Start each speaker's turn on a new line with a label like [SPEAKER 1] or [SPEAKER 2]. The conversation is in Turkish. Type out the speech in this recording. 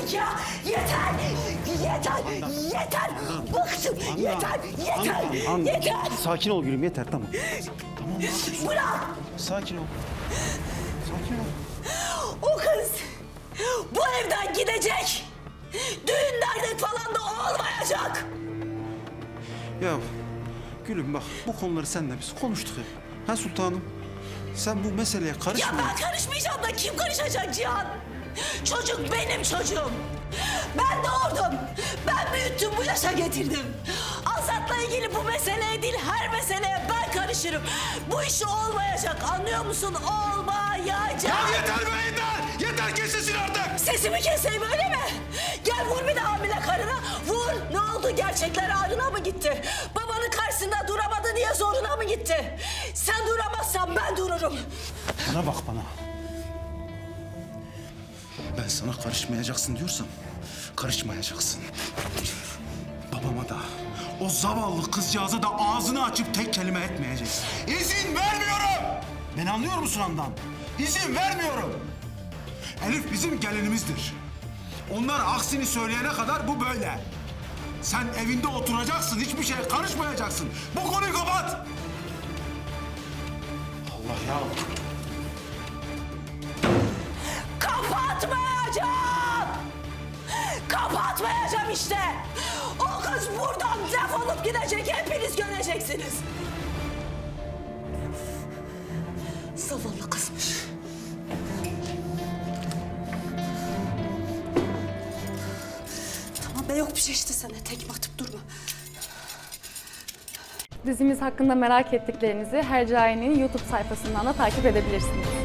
[SPEAKER 1] artık ya. Yeter. Yeter. Yeter. Bıktım. Yeter. Yeter. Yeter.
[SPEAKER 2] Sakin ol gülüm, yeter, tamam. Tamam.
[SPEAKER 1] Bırak.
[SPEAKER 2] Sakin ol. Sakin ol.
[SPEAKER 1] O kız bu evden gidecek. Düğün dernek falan da olmayacak.
[SPEAKER 2] Ya gülüm bak, bu konuları seninle biz konuştuk hep. Ha sultanım? Sen bu meseleye karışma.
[SPEAKER 1] Ya ben karışmayacağım da kim karışacak Cihan? Çocuk benim çocuğum. Ben doğurdum. Ben büyüttüm, bu yaşa getirdim. Azat'la ilgili bu meseleye değil, her meseleye ben karışırım. Bu iş olmayacak, anlıyor musun? Olmayacak.
[SPEAKER 2] Ya yeter be yeter! Yeter, kes sesini artık!
[SPEAKER 1] Sesimi keseyim öyle mi? Gel vur bir de hamile karına. Vur. Ne oldu? Gerçekler ağrına mı gitti? Babanın karşısında duramadı diye zoruna mı gitti? Sen duramazsan ben dururum.
[SPEAKER 2] Bana bak bana. Ben sana karışmayacaksın diyorsam karışmayacaksın. Babama da o zavallı kızcağıza da ağzını açıp tek kelime etmeyeceksin. İzin vermiyorum! Beni anlıyor musun Handan? İzin vermiyorum! Elif bizim gelinimizdir. Onlar aksini söyleyene kadar bu böyle. Sen evinde oturacaksın, hiçbir şeye karışmayacaksın. Bu konuyu kapat! Allah ya!
[SPEAKER 1] Kapatmayacağım! Kapatmayacağım işte! O kız buradan defolup gidecek, hepiniz göreceksiniz. Zavallı kızmış. Tamam be, yok bir şey işte, sana tekme atıp durma.
[SPEAKER 3] Dizimiz hakkında merak ettiklerinizi Hercai'nin YouTube sayfasından da takip edebilirsiniz.